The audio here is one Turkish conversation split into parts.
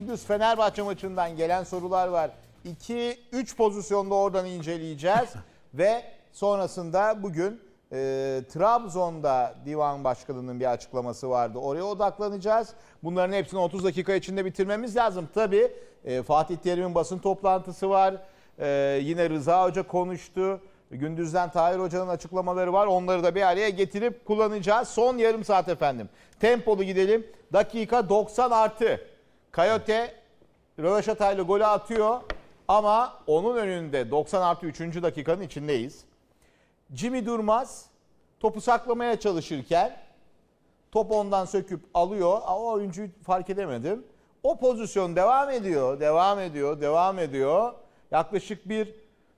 Gündüz Fenerbahçe maçından gelen sorular var. 2-3 pozisyonda oradan inceleyeceğiz. Ve sonrasında bugün Trabzon'da Divan Başkanı'nın bir açıklaması vardı. Oraya odaklanacağız. Bunların hepsini 30 dakika içinde bitirmemiz lazım. Tabii Fatih Terim'in basın toplantısı var. Yine Rıza Hoca konuştu. Gündüz'den Tahir Hoca'nın açıklamaları var. Onları da bir araya getirip kullanacağız. Son yarım saat efendim. Tempolu gidelim. Dakika 90 artı. Coyote röveşatayla golü atıyor ama onun önünde 90 artı 3. dakikanın içindeyiz. Jimmy Durmaz topu saklamaya çalışırken top ondan söküp alıyor. O oyuncuyu fark edemedim. O pozisyon devam ediyor. Yaklaşık bir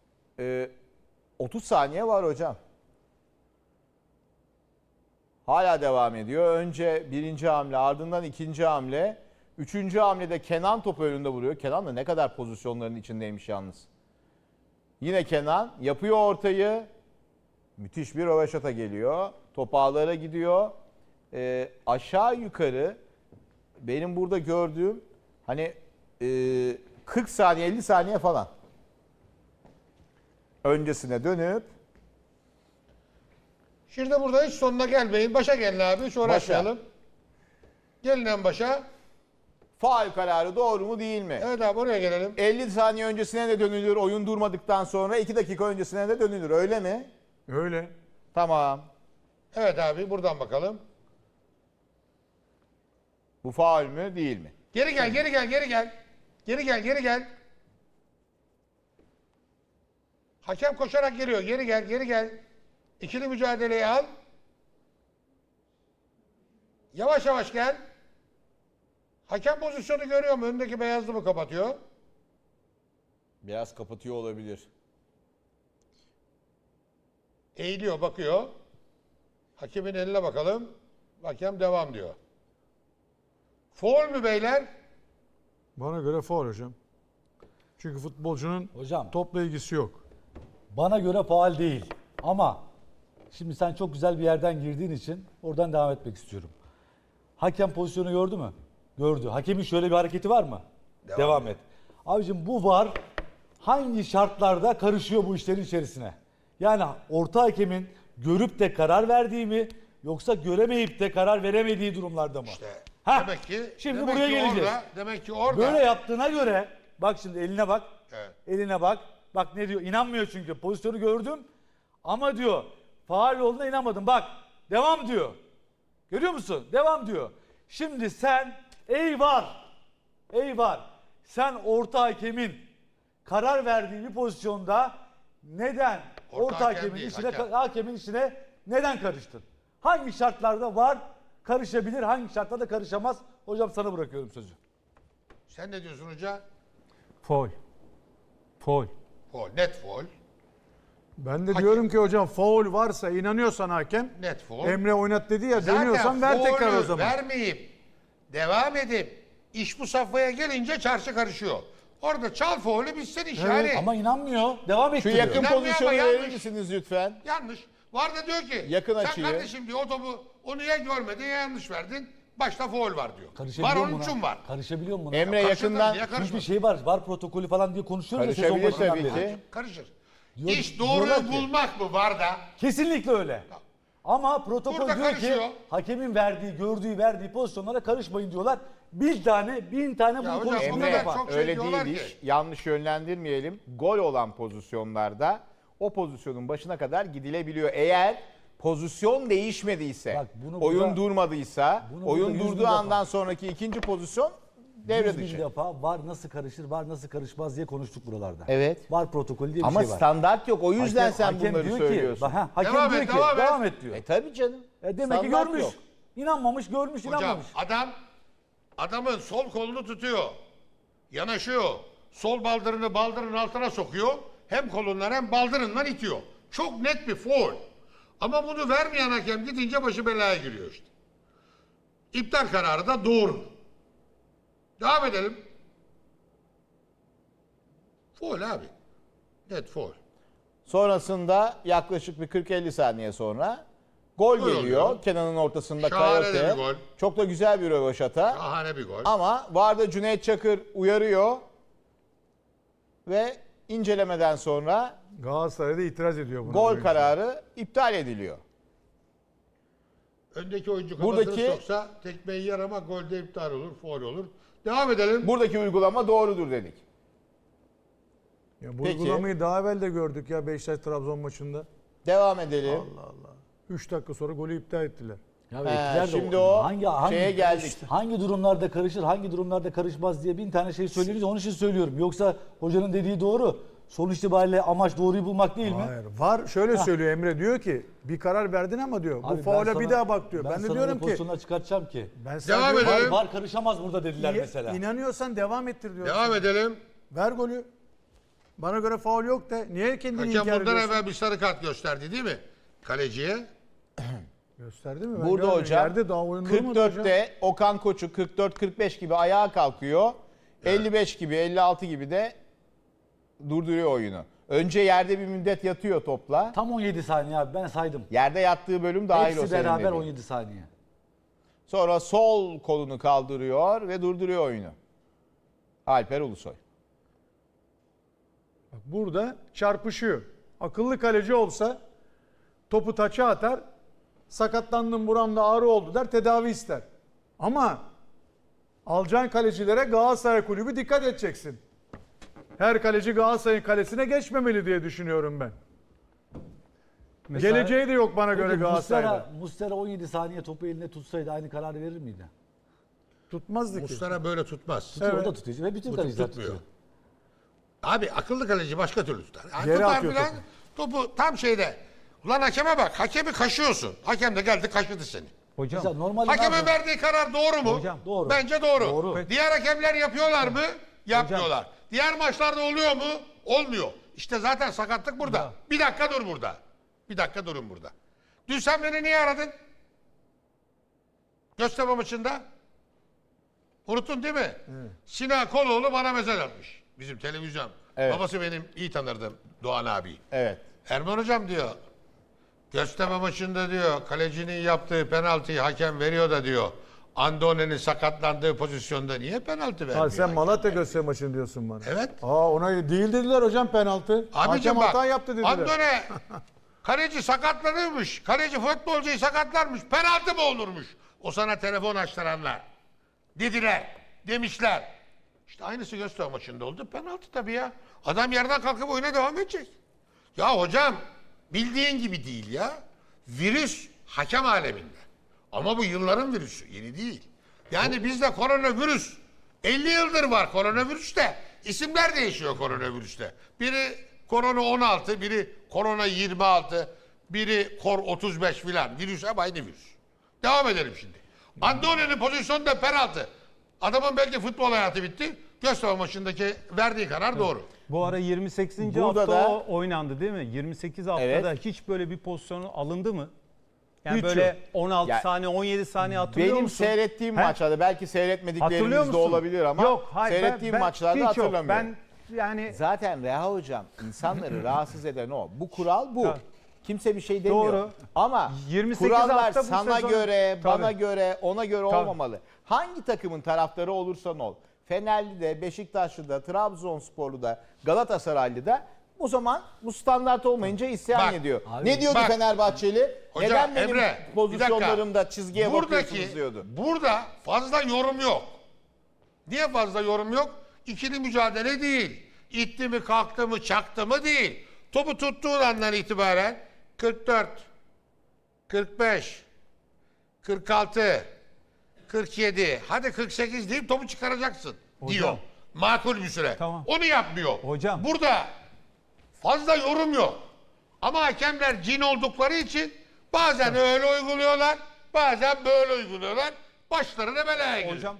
30 saniye var hocam. Hala devam ediyor. Önce birinci hamle, ardından ikinci hamle. Üçüncü hamlede Kenan topu önünde vuruyor. Kenan da ne kadar pozisyonların içindeymiş yalnız. Yine Kenan yapıyor ortayı. Müthiş bir röveşata geliyor. Top ağlara gidiyor. Aşağı yukarı benim burada gördüğüm hani 40 saniye 50 saniye falan. Öncesine dönüp. Şimdi burada hiç sonuna gelmeyin. Başa gelin abi. Hiç uğraşmayalım. Gelin en başa. Faul kararı doğru mu değil mi? Evet abi oraya gelelim. 50 saniye öncesine de dönülür oyun durmadıktan sonra 2 dakika öncesine de dönülür öyle mi? Öyle. Tamam. Evet abi buradan bakalım. Bu faul mü değil mi? Geri gel. Geri gel. Hakem koşarak geliyor. Geri gel. İkili mücadeleyi al. Yavaş yavaş gel. Hakem pozisyonu görüyor mu? Önündeki beyazlı mı kapatıyor? Biraz kapatıyor olabilir. Eğiliyor, bakıyor. Hakemin eline bakalım. Hakem devam diyor. Faul mü beyler? Bana göre faul hocam. Çünkü futbolcunun Hocam. topla ilgisi yok. Bana göre faul değil. Ama şimdi sen çok güzel bir yerden girdiğin için oradan devam etmek istiyorum. Hakem pozisyonu gördü mü? Gördü. Hakemin şöyle bir hareketi var mı? Devam et. Abicim bu VAR hangi şartlarda karışıyor bu işlerin içerisine? Yani orta hakemin görüp de karar verdiği mi yoksa göremeyip de karar veremediği durumlarda mı? İşte Ha, demek ki şimdi demek buraya ki geleceğiz. Demek ki orada. Böyle yaptığına göre bak şimdi eline bak. Evet. Eline bak. Bak ne diyor? İnanmıyor çünkü. Pozisyonu gördüm. Ama diyor faul olduğuna inanmadım. Bak devam diyor. Görüyor musun? Devam diyor. Şimdi sen ey var. Sen orta hakemin karar verdiği bir pozisyonda neden Orta orta hakem hakemin değil, işine hakem. hakemin işine neden karıştın? Hangi şartlarda var karışabilir, hangi şartlarda karışamaz? Hocam sana bırakıyorum sözü. Sen ne diyorsun hoca? Faul. Faul. Faul. Net faul. Ben de diyorum ki hocam faul varsa inanıyorsan hakem Net faul. Emre oynat dedi ya dönüyorsan ver tekrar o faulü zaman. vermeyip devam edip iş bu safhaya gelince çarşı karışıyor. Orada çal faulü bitsin iş yani. Ama inanmıyor. Devam Şu ettiriyor. yakın İnanmıyor pozisyonu ama verir yanlış. misiniz lütfen? Yanlış. Var da diyor ki Yakın sen açıyı. kardeşim diyor o topu onu ya görmedin ya yanlış verdin. Başta faul var diyor. Var Karışabiliyor onun mu için buna? var. Karışabiliyor mu buna? Emre Karışır yakından tabii, niye Çünkü karışmaz? şey var protokolü falan diye konuşuyoruz ya sezon karışabilir başından tabii beri. ki. Karışır. Diyor- İş diyorlar doğruyu ki- bulmak mı var da? Kesinlikle öyle. Ama protokol Burada diyor karışıyor. ki hakemin verdiği pozisyonlara karışmayın diyorlar. bin tane bunu hocam, konuşmalar o Emre kadar yapar. çok şey öyle diyorlar değil ki. iş. Yanlış yönlendirmeyelim. Gol olan pozisyonlarda o pozisyonun başına kadar gidilebiliyor. Eğer pozisyon değişmediyse, Bak bunu oyun burada- durmadıysa, bunu oyun burada 100 bin durduğu defa- andan sonraki ikinci pozisyon devre 100 bin dışı. defa var nasıl karışır, var nasıl karışmaz diye konuştuk buralarda. Evet. Var protokolü diye bir Ama şey var. standart yok. O yüzden sen bunları diyor söylüyorsun. Ki, hakem Devam diyor et, ki devam et diyor. Tabii canım. Demek ki Standart görmüş. yok. İnanmamış, görmüş, Hocam inanmamış. adamın sol kolunu tutuyor. Yanaşıyor. Sol baldırının altına sokuyor. Hem kolundan hem baldırından itiyor. Çok net bir faul. Ama bunu vermeyen hakem gidince başı belaya giriyor işte. İptal kararı da doğru. Devam edelim. Faul abi. Net faul. Sonrasında yaklaşık bir 40-50 saniye sonra Gol Gol geliyor. oluyor. Kenan'ın ortasında Şahane de Coyote. bir gol. Çok da güzel bir rövaşata. Şahane bir gol. Ama VAR'da Cüneyt Çakır uyarıyor. Ve incelemeden sonra Galatasaray'da itiraz ediyor buna. gol kararı iptal ediliyor. Öndeki oyuncu kafasını Buradaki- soksa tekmeyi yer ama golde iptal olur, faul olur. Devam edelim. Buradaki uygulama doğrudur dedik. Ya bu Peki. uygulamayı daha evvel de gördük ya Beşiktaş-Trabzon maçında. Devam edelim. 3 dakika sonra golü iptal ettiler. Ya He, etkiler de şimdi o şeye geldik. Hangi durumlarda karışır, hangi durumlarda karışmaz diye bin tane şey söylüyoruz. Onun için söylüyorum. Yoksa hocanın dediği doğru. Sonuç itibariyle amaç doğruyu bulmak değil mi? Hayır. VAR şöyle söylüyor, Emre diyor ki bir karar verdin ama diyor Abi bu ben faule sana- bir daha bak diyor. Ben de sana diyorum öyle ki pozisyonlar çıkartacağım ki. ben Devam sadece- edelim. Var karışamaz burada dediler mesela. İnanıyorsan devam ettir diyor. Devam edelim. Ver golü. Bana göre faul yok de. Niye kendini Hakem inkar bundan ediyorsun? evvel bir sarı kart gösterdi değil mi? Kaleciye. Gösterdi mi? Ben Burada görmedim. hocam Yerde daha oyun durmadı hocam. 44'te Okan Koçu 44-45 gibi ayağa kalkıyor. 55 gibi 56 gibi de durduruyor oyunu. Önce yerde bir müddet yatıyor topla. Tam 17 saniye abi ben saydım. Yerde yattığı bölüm dahil o Hepsi senin beraber dediğin. 17 saniye. Sonra sol kolunu kaldırıyor ve durduruyor oyunu. Alper Ulusoy. Bak burada çarpışıyor. Akıllı kaleci olsa topu taça atar. Sakatlandım buramda ağrı oldu der tedavi ister. Ama alacağın kalecilere Galatasaray Kulübü dikkat edeceksin. Her kaleci Galatasaray'ın kalesine geçmemeli diye düşünüyorum ben. Geleceği de yok bana göre Peki Galatasaray'da. Muslera 17 saniye topu elinde tutsaydı aynı kararı verir miydi? Tutmazdı ki. Muslera böyle tutmaz. Tutuyor, Evet. o da tutuyor ve bütün Bu kaleciler tutmuyor. tutuyor. Abi akıllı kaleci başka türlü tutar. Yani Geri tutar atıyor filan, topu tam şeyde. Ulan hakeme bak. Hakemi kaşıyorsun. Hakem de geldi kaşıdı seni. Hocam Mesela normalde ne Hakemin yapıyor? verdiği karar doğru mu? Hocam. Doğru. Bence doğru. Doğru. Diğer hakemler yapıyorlar mı? Yapmıyorlar. Diğer maçlarda oluyor mu? Olmuyor. İşte zaten sakatlık burada. Bir dakika dur burada. Bir dakika durun burada. Dün sen beni niye aradın? Göztepe maçında. Unuttun değil mi? Sinan Koloğlu bana mesaj atmış. Bizim televizyon. Evet. Babası benim iyi tanırdım Doğan abi. Evet. Erman hocam diyor. Göztepe maçında diyor kalecinin yaptığı penaltıyı hakem veriyor da diyor. Andone'nin sakatlandığı pozisyonda niye penaltı vermiyor? Ha, sen hakem? Malatya Göztepe maçını diyorsun bana. Evet. Ona değil dediler hocam penaltı. Abicim Hakem bak. hata yaptı dediler. Andone kaleci sakatlanırmış. Kaleci futbolcuyu sakatlarmış. Penaltı mı olurmuş? O sana telefon açtıranlar. Dediler. Demişler. İşte aynısı Göztepe maçında oldu. Penaltı tabii ya. Adam yerden kalkıp oyuna devam edecek. Ya hocam bildiğin gibi değil ya. Virüs hakem aleminde. Ama bu yılların virüsü. Yeni değil. Yani bizde koronavirüs 50 yıldır var koronavirüste. İsimler değişiyor koronavirüste. Biri korona 16, biri korona 26, biri kor 35 filan. Virüs hep aynı virüs. Devam edelim şimdi. Andone'nin pozisyonunda penaltı. Adamın belki futbol hayatı bitti. Göztepe maçındaki verdiği karar doğru. bu ara 28. Burada hafta da- oynandı değil mi? 28 haftada Evet. hiç böyle bir pozisyonu alındı mı? Yani Hiç böyle yok. 16 Ya- saniye 17 saniye hatırlıyor Benim musun? seyrettiğim He? maçlarda belki Hatırlıyor seyretmediklerimiz de musun? olabilir ama Yok, hayır, seyrettiğim ben maçlarda hiç yok. hatırlamıyorum. Ben yani Zaten Reha Hocam insanları rahatsız eden o. Bu kural bu. Tabii. Kimse bir şey demiyor. Doğru. Ama 28 kurallar hafta bu sana sezon- göre, bana Tabii. göre, ona göre Tabii. olmamalı. Hangi takımın taraftarı olursan ol. Fenerli de, Beşiktaşlı da, Trabzonsporlu da, Galatasaraylı da o zaman bu standart olmayınca isyan Bak, ediyor. abi, Ne diyordu bak. Fenerbahçeli? Hocam, Neden benim Emre, bir pozisyonlarımda çizgiye bakıyorsunuz Buradaki, diyordu. burada fazla yorum yok. Niye fazla yorum yok? İkili mücadele değil. İtti mi, kalktı mı, çaktı mı değil. Topu tuttuğun andan itibaren 44, 45, 46, 47, hadi 48 deyip topu çıkaracaksın diyor. Makul bir süre. Tamam. Onu yapmıyor. Hocam. Burada fazla yorum yok. Ama hakemler cin oldukları için bazen öyle uyguluyorlar, bazen böyle uyguluyorlar. Başlarına belaya giriyor. hocam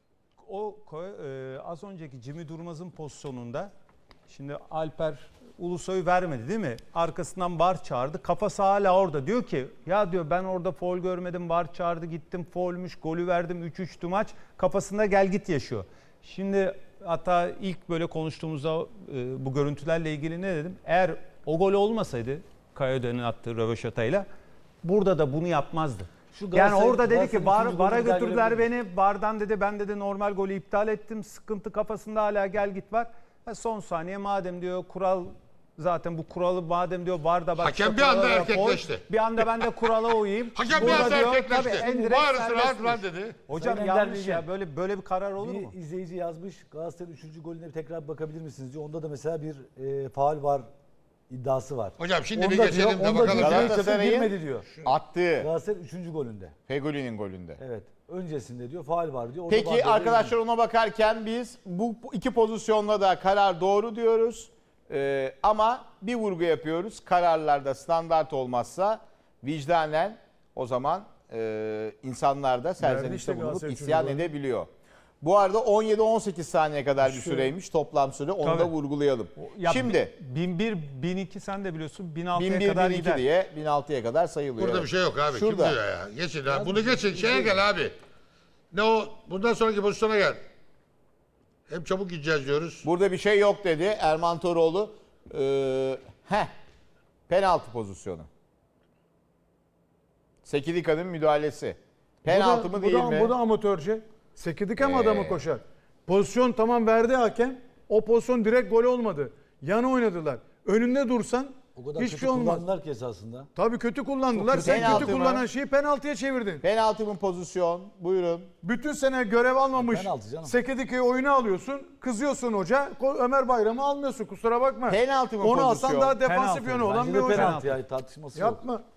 az önceki Jimmy Durmaz'ın pozisyonunda şimdi Alper Ulusoy vermedi değil mi? Arkasından VAR çağırdı. Kafası hala orada. Diyor ki ya diyor ben orada faul görmedim. VAR çağırdı gittim faulmüş. Golü verdim 3-3'tü maç. Kafasında gel git yaşıyor. Şimdi hatta ilk böyle konuştuğumuzda bu görüntülerle ilgili ne dedim? Eğer o gol olmasaydı Kayade'nin attığı röveşatayla burada da bunu yapmazdı. Şu Yani Galatasaray- orada dedi ki Galatasaray'ın üçüncü VAR'a golünü daha götürdüler görebilir beni. VAR'dan dedi ben dedi normal golü iptal ettim. Sıkıntı kafasında hala gel git var. Son saniye madem diyor kural zaten bu kuralı madem diyor VAR'da bak. Hakem işte bir anda kurallara koy, erkekleşti. Bir anda ben de kurala uyayım. Hakem bir Burada anda diyor, erkekleşti. tabii en direkt Bağırırsın serbest rahat rahat vuruş. dedi. Hocam Sayın Ender yanlış Bilgen, ya böyle bir karar olur mu? Bir izleyici yazmış. Galatasaray'ın 3. golüne bir tekrar bakabilir misiniz diyor. Onda da mesela bir faul var iddiası var. Hocam şimdi bir Onda geçelim de diyor, onda bakalım. diyor, ya. Galatasaray'ın- girmedi diyor. Attığı Galatasaray'ın 3. golünde. Fegoli'nin golünde. Evet. Öncesinde diyor faul var diyor. Orada Peki VAR'da arkadaşlar ona bakarken biz bu iki pozisyonda da karar doğru diyoruz. Ama bir vurgu yapıyoruz. Kararlarda standart olmazsa vicdanen o zaman insanlar da serzenişte işte bulunup Galatasaray isyan üçüncü golü. edebiliyor. Bu arada 17-18 saniye kadar bir süreymiş toplam süre. Onu da Tabii. vurgulayalım. Ya Şimdi 1001, 1002 sen de biliyorsun 1006'ya 1001, kadar 1002 gider. diye 1006'ya kadar sayılıyor. Burada Evet. bir şey yok abi. Şurada. Kim diyor ya? Geçin abi. Bunu geçin. Şeye gel abi. Ne o? Bundan sonraki pozisyona gel. Hem çabuk gideceğiz diyoruz. Burada bir şey yok dedi Erman Toroğlu. Penaltı pozisyonu. Sekidika'nın müdahalesi. Penaltı mı değil mi? Bu da amatörce. Sekidike mi adamı koşar? Pozisyon tamam verdi hakem. O pozisyon direkt gol olmadı. Yana oynadılar. Önünde dursan O kadar hiçbir kötü şey olmaz. kullandılar ki esasında. Tabii kötü kullandılar. Çok Sen kötü. Penaltı kötü mı? kullanan şeyi penaltıya çevirdin. Penaltı mı pozisyon? Buyurun. Bütün sene görev almamış Penaltı canım. Sekidike'yi oyuna alıyorsun. Kızıyorsun hoca. Ömer Bayram'ı almıyorsun. Kusura bakma. Penaltı mı Onu pozisyon? alsan daha defansif Penaltı. yönü olan Bence bir de hoca. penaltı ya tartışması yok. Yapma.